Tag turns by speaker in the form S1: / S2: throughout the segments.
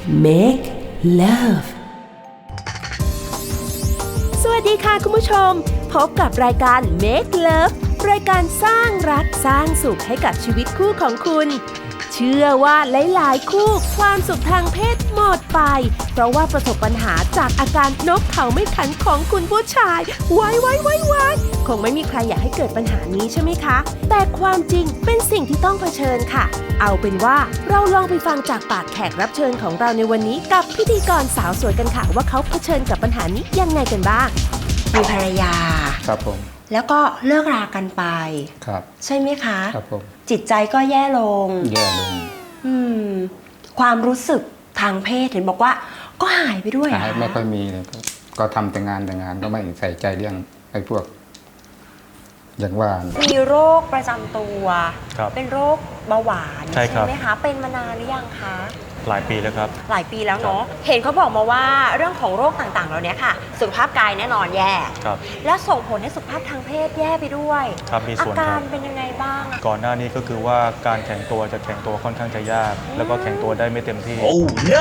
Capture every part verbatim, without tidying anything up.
S1: Make Love สวัสดีค่ะคุณผู้ชมพบกับรายการ Make Love รายการสร้างรักสร้างสุขให้กับชีวิตคู่ของคุณเชื่อว่าหลายๆคู่ความสุขทางเพศหมดไปเพราะว่าประสบปัญหาจากอาการนกเขาไม่ขันของคุณผู้ชายไว้ไว้ไว้ไว้คงไม่มีใครอยากให้เกิดปัญหานี้ใช่ไหมคะแต่ความจริงเป็นสิ่งที่ต้องเผชิญค่ะเอาเป็นว่าเราลองไปฟังจากปากแขกรับเชิญของเราในวันนี้กับพิธีกรสาวสวยกันค่ะว่าเขาเผชิญกับปัญหานี้ยังไงกันบ้าง
S2: มีภรรยา
S3: ครับผม
S2: แล้วก็เลิกรากันไป
S3: ครับ
S2: ใช่ไหมคะ
S3: ครับผม
S2: จิตใจก็แย่ลง
S3: แย่ลง
S2: อืมความรู้สึกทางเพศเห็นบอกว่าก็หายไปด้วย
S3: หายไม่ค่อยมีเลยก็ทำแต่งานแต่งานก็ไม่ใส่ใจเรื่องไอ้พวกอย่างว่า
S2: มีโรคประจำตัวเป็นโรคเบาหวานใช่ไหมคะเป็นมานานหรือยังคะ
S4: หลายปีแล้วครับ
S2: หลายปีแล้วเนาะเห็นเขาบอกมาว่าเรื่องของโรคต่างๆเหล่านี้ค่ะสุขภาพกายแน่นอนแย่และส่งผลให้สุขภาพทางเพศแย่ไปด้วย
S4: ครับมีส่วน
S2: อาการเป็นยังไงบ้าง
S4: ก่อนหน้านี้ก็คือว่าการแข็งตัวจะแข็งตัวค่อนข้างจะยากแล้วก็แข็งตัวได้ไม่เต็มที่
S2: oh no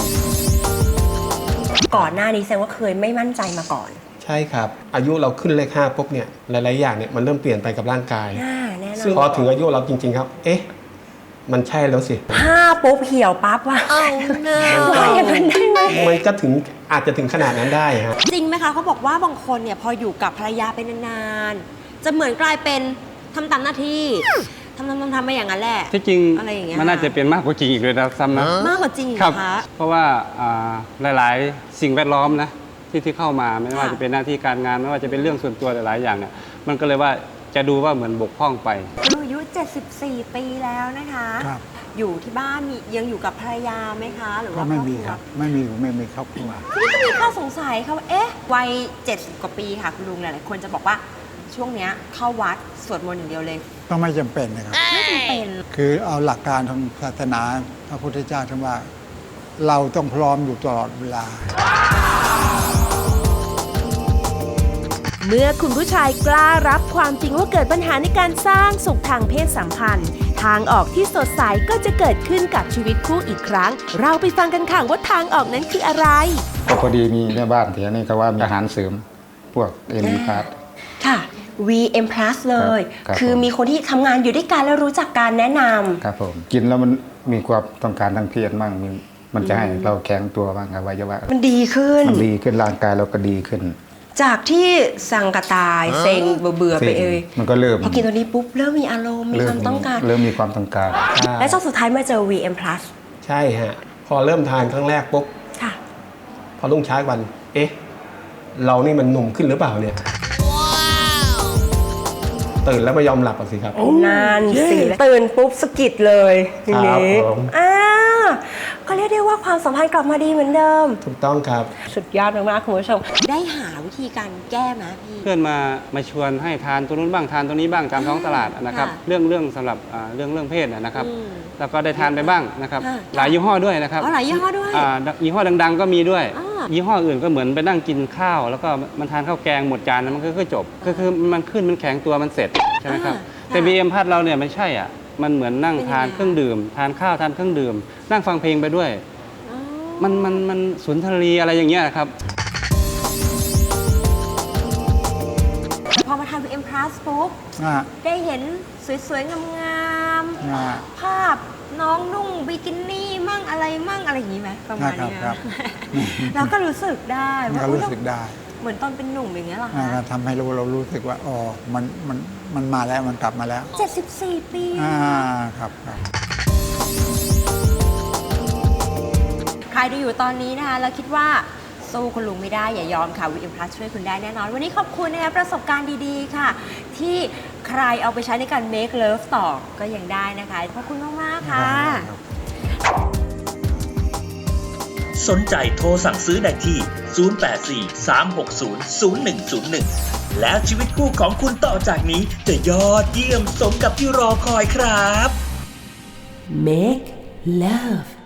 S2: ก่อนหน้านี้แสดงว่าเคยไม่มั่นใจมาก่อน
S5: ใช่ครับอายุเราขึ้นเลขห้าปุ๊บเนี่ยหลายๆอย่างเนี่ยมันเริ่มเปลี่ยนไปกับร่างกายซึ่งพอถึงอายุเราจริงๆครับเอ๊ะมันใช่แล้วสิ
S2: ห้าปุ๊บเหี่ยวปั๊บว่ะมันอย่างนั้นได้ไหม
S5: มันก็ถึงอาจจะถึงขนาดนั้นได้ฮะ
S2: จริงไหมคะเขาบอกว่าบางคนเนี่ยพออยู่กับภรรยาไปนานๆจะเหมือนกลายเป็นทำตามหน้าที่ทำทำทำทำไปอย่างนั้นแหละ
S6: ที่จริงมันน่าจะเป็นมากกว่าจริงอีกเลยนะซ้ำนะ
S2: มากกว่าจริง
S6: ครับเพราะว่าหลายๆสิ่งแวดล้อมนะที่ที่เข้ามาไม่ว่าจะเป็นหน้าที่การงานไม่ว่าจะเป็นเรื่องส่วนตัวหลายๆอย่างเนี่ยมันก็เลยว่าจะดูว่าเหมือนบกพร่องไป
S2: อายุเจ็ดสิบสี่ปีแล้วนะคะอยู่ที่บ้านมียังอยู่กับภรรยาไหมคะหรือว่า
S7: ไม่มีครับไม่มีไม่มีครอบครัว
S2: ทีนี้ก็มีข้อสงสัยค่ะว่าเอ๊ะวัยเจ็ดสิบกว่าปีค่ะคุณลุงหลายๆคนจะบอกว่าช่วงเนี้ยเข้าวัดสวดมนต์อย่างเดียวเลย
S7: ก็ไม่จำเป็นนะครับ
S2: ไม่จำเป็น
S7: คือเอาหลักการทางศาสนาพระพุทธเจ้าท่านว่าเราต้องพร้อมอยู่ตลอดเวลา
S1: เมื่อคุณผู้ชายกล้ารับความจริงว่าเกิดปัญหาในการสร้างสุขทางเพศสัมพันธ์ทางออกที่สดใสก็จะเกิดขึ้นกับชีวิตคู่อีกครั้งเราไปฟังกันค่ะว่าทางออกนั้นคืออะไร
S3: ก็พอดีมีแม่บ้านแถวนี้ก็ว่ามีอาหารเสริมพวกเอ็มพลัส
S2: ค่ะ วี เอ็ม พลัส เลยคือมีคนที่ทำงานอยู่ด้วยกันแล้วรู้จักการแนะน
S3: ำครับผมกินแล้วมันมีความต้องการทางเพศมั่งมันจะให้เราแข็งตัวบ้างอวัยวะ
S2: มันดีขึ้น
S3: มันดีขึ้นร่างกายเราก็ดีขึ้น
S2: จากที่สังกตายเซ็งเบื่อไปเอย
S3: มันก็เริ่ม
S2: พอกินตัวนี้ปุ๊บเริ่มมีอารมณ์มีความต้องการ
S3: เริ่มมีความต้องการ
S2: และจนสุดท้ายมาเจอ วี เอ็ม พลัส
S5: ใช่ฮะพอเริ่มทานครั้งแรกปุ๊บค่ะพอรุ่งเช้าวันเอ๊ะเรานี่มันหนุ่มขึ้นหรือเปล่าเนี่ยตื่นแล้วไม่ยอมหลับอ่ะสิครับ
S2: นานสิตื่นปุ๊บสะกิดเลยทีนี้อ่าก็เรียกได้ว่าความสัมพันธ์กลับมาดีเหมือนเดิม
S5: ถูกต้องครับ
S2: สุดยอดมากๆคุณผู้ชมได้หาวิธีการแก้ไหมพี่
S6: เพื่อนมามาชวนให้ทานตัวนู้นบ้างทานตัวนี้บ้างตามท้องตลาดนะครับเรื่องเรื่องสำหรับเรื่องเรื่องเพศนะครับแล้วก็ได้ทานไปบ้างนะครับหลายยี่ห้อด้วยนะครับ
S2: หลายยี่ห้อด้วย
S6: ยี่ห้อดังๆก็มีด้วยยี่ห้ออื่นก็เหมือนไปนั่งกินข้าวแล้วก็มันทานข้าวแกงหมดจานแล้วมันก็จบก็คือมันขึ้นมันแข็งตัวมันเสร็จใช่ไหมครับแต่ บี เอ็ม พัดเราเนี่ยไม่ใช่อ่ะมันเหมือนนั่งทานเครื่องดื่มทานข้าวทานเครื่องดื่มนั่งฟังเพลงไปด้วยมันมันมันสุนทรีอะไรอย่างเงี้ยครับ
S2: พอมาทาน วี เอ็ม พลัส ปุ๊บได้เห็นสวยๆงามๆภาพน้องนุ่งบิกินี่มั่งอะไรมั่งอะไรอย่างนี้ไหมประมาณนี้แล้วก็รู้สึกได้
S7: ว่ารู้สึกได้
S2: เหมือนตอนเป็นหนุ่มอย่างเงี้ยหรอคะ
S7: ทำให้รู้เรารู้สึกว่าอ๋อมันมันมันมาแล้วมันกลับมาแล้ว
S2: เจ็ดสิบสี่ปี
S7: อ่าครับครับ
S2: ใครดูอยู่ตอนนี้นะคะแล้วคิดว่าสู้คุณลุงไม่ได้อย่ายอมค่ะ วี เอ็ม พลัส ช่วยคุณได้แน่นอนวันนี้ขอบคุณนะคะประสบการณ์ดีๆค่ะที่ใครเอาไปใช้ในการ make love ต่อก็ยังได้นะคะขอบคุณมากๆค่ะ
S8: สนใจโทรสั่งซื้อได้ที่ศูนย์ แปด สี่ สาม หก ศูนย์ ศูนย์ หนึ่ง ศูนย์ หนึ่งแล้วชีวิตคู่ของคุณต่อจากนี้จะยอดเยี่ยมสมกับที่รอคอยครับ
S1: Make Love